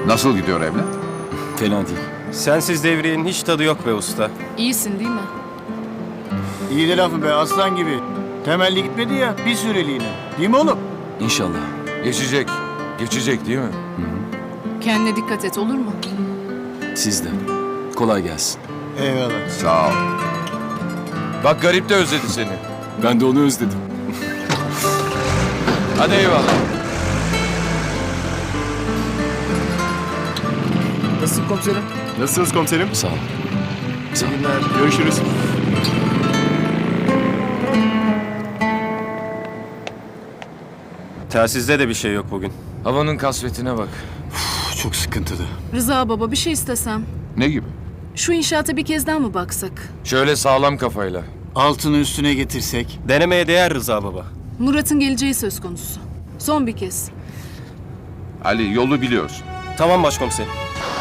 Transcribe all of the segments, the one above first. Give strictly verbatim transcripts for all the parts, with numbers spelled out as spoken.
Nasıl gidiyor evlat? Fena değil. Sensiz devriyenin hiç tadı yok be usta. İyisin değil mi? İyi de lafı be aslan gibi. Temelli gitmedi ya bir süreliğine. Değil mi oğlum? İnşallah. Geçecek. Geçecek değil mi? Kendine dikkat et olur mu? Siz de. Kolay gelsin. Eyvallah. Sağ ol. Bak garip de özledi seni. Ben de onu özledim. Hadi eyvallah. Nasılsın komiserim? Nasılsınız komiserim? Sağ ol. Sağ ol. Günler. Görüşürüz. Telsizde de bir şey yok bugün. Havanın kasvetine bak. Çok sıkıntılı. Rıza baba bir şey istesem. Ne gibi? Şu inşaata bir kez daha mı baksak? Şöyle sağlam kafayla. Altını üstüne getirsek. Denemeye değer Rıza baba. Murat'ın geleceği söz konusu. Son bir kez. Ali yolu biliyorsun. Tamam başkomiserim.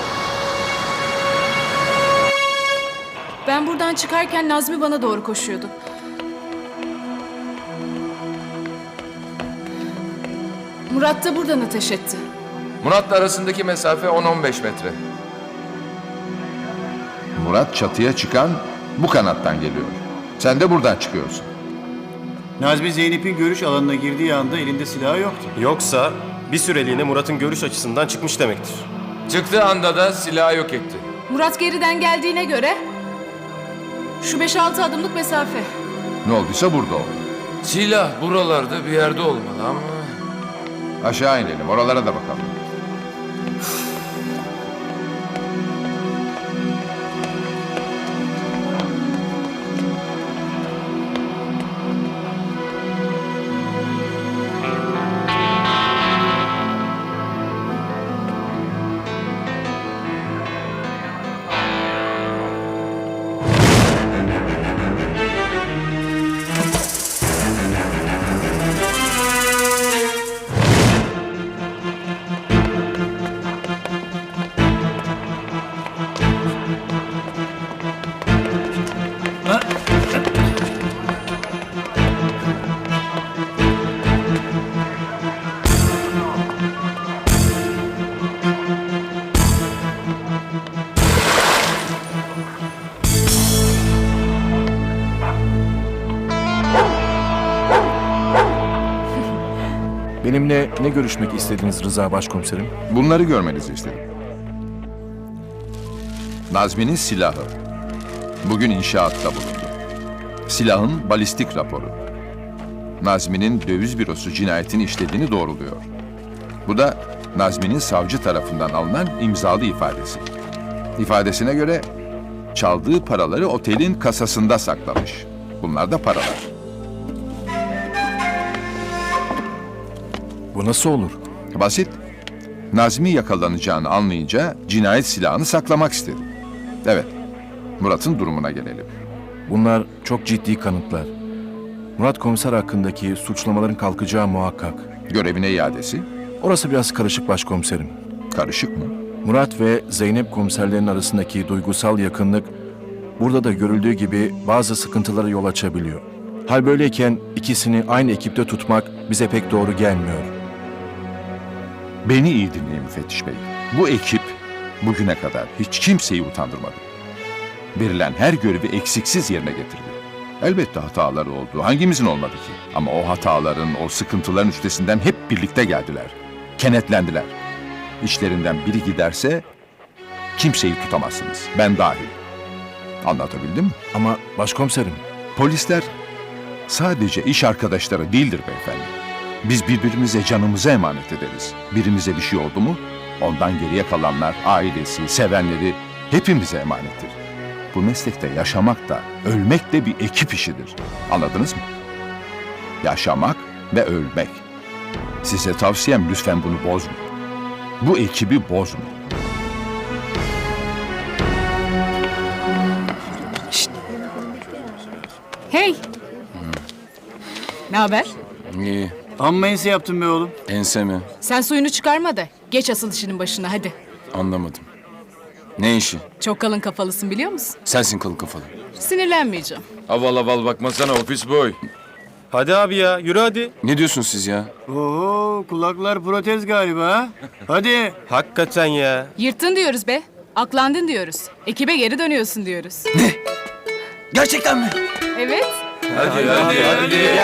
Ben buradan çıkarken Nazmi bana doğru koşuyordu. Murat da buradan ateş etti. Murat'la arasındaki mesafe on on beş metre. Murat çatıya çıkan bu kanattan geliyor. Sen de buradan çıkıyorsun. Nazmi Zeynep'in görüş alanına girdiği anda elinde silahı yoktu. Yoksa bir süreliğine Murat'ın görüş açısından çıkmış demektir. Çıktığı anda da silahı yok etti. Murat geriden geldiğine göre şu beş altı adımlık mesafe. Ne olduysa burada oldu. Silah buralarda bir yerde olmalı ama... Aşağı inelim, oralara da bakalım. Benimle ne görüşmek istediniz Rıza Başkomiserim? Bunları görmenizi istedim. Nazmi'nin silahı. Bugün inşaatta bulundu. Silahın balistik raporu. Nazmi'nin döviz bürosu cinayetini işlediğini doğruluyor. Bu da Nazmi'nin savcı tarafından alınan imzalı ifadesi. İfadesine göre çaldığı paraları otelin kasasında saklamış. Bunlar da paralar. Bu nasıl olur? Basit. Nazmi yakalanacağını anlayınca cinayet silahını saklamak istedi. Evet, Murat'ın durumuna gelelim. Bunlar çok ciddi kanıtlar. Murat komiser hakkındaki suçlamaların kalkacağı muhakkak. Görevine iadesi Orası biraz karışık başkomiserim. karışık mı? Murat ve Zeynep komiserlerin arasındaki duygusal yakınlık burada da görüldüğü gibi bazı sıkıntılara yol açabiliyor. Hal böyleyken ikisini aynı ekipte tutmak bize pek doğru gelmiyor. Beni iyi dinleyin müfettiş bey. Bu ekip bugüne kadar hiç kimseyi utandırmadı. Verilen her görevi eksiksiz yerine getirdi. Elbette hataları oldu. Hangimizin olmadı ki? Ama o hataların, o sıkıntıların üstesinden hep birlikte geldiler. Kenetlendiler. İçlerinden biri giderse kimseyi tutamazsınız. Ben dahil. Anlatabildim mi? Ama başkomiserim, Polisler sadece iş arkadaşları değildir beyefendi. Biz birbirimize canımızı emanet ederiz. Birimize bir şey oldu mu, ondan geriye kalanlar, ailesi, sevenleri hepimize emanettir. Bu meslekte yaşamak da, ölmek de bir ekip işidir. Anladınız mı? Yaşamak ve ölmek. Size tavsiyem lütfen bunu bozmayın. Bu ekibi bozmayın. Hey! Ne haber? İyi. Amma ense yaptın be oğlum. Ense mi? Sen suyunu çıkarma da geç asıl işinin başına hadi. Anlamadım. Ne işi? Çok kalın kafalısın biliyor musun? Sensin kalın kafalı. Sinirlenmeyeceğim. Aval aval bakmasana ofis boy. Hadi abi ya yürü hadi. Ne diyorsunuz siz ya? Oho kulaklar protez galiba ha. Hadi. Hakikaten ya. Yırttın diyoruz be. Aklandın diyoruz. Ekibe geri dönüyorsun diyoruz. Gerçekten mi? Evet. Hadi hadi hadi.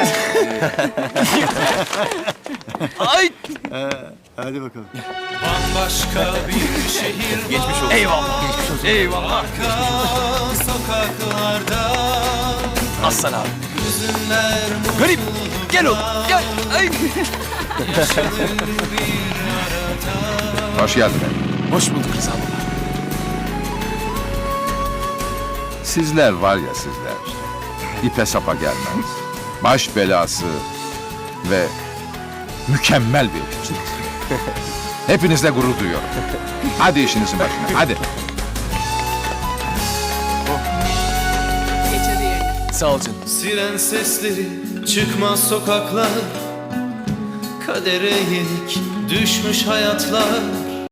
Ay! Hadi bakalım. Bambaşka bir şehir Geçmiş olsun. Eyvallah. Geçmiş olsun. Eyvallah. Sokaklarda Aslan abi. hüzünler Garip. Gel oğlum. Gel. Ay. Hoş geldin bey. Hoş bulduk Rıza baba. Sizler var ya sizler. İpe sapa gelmez. Baş belası ve mükemmel bir ekipsiniz. Hepinizle gurur duyuyorum. Hadi işinizin başına, hadi. Geç hadi yerine. Sağ ol canım. siren sesleri çıkmaz sokaklar, kadere yenik düşmüş hayatlar.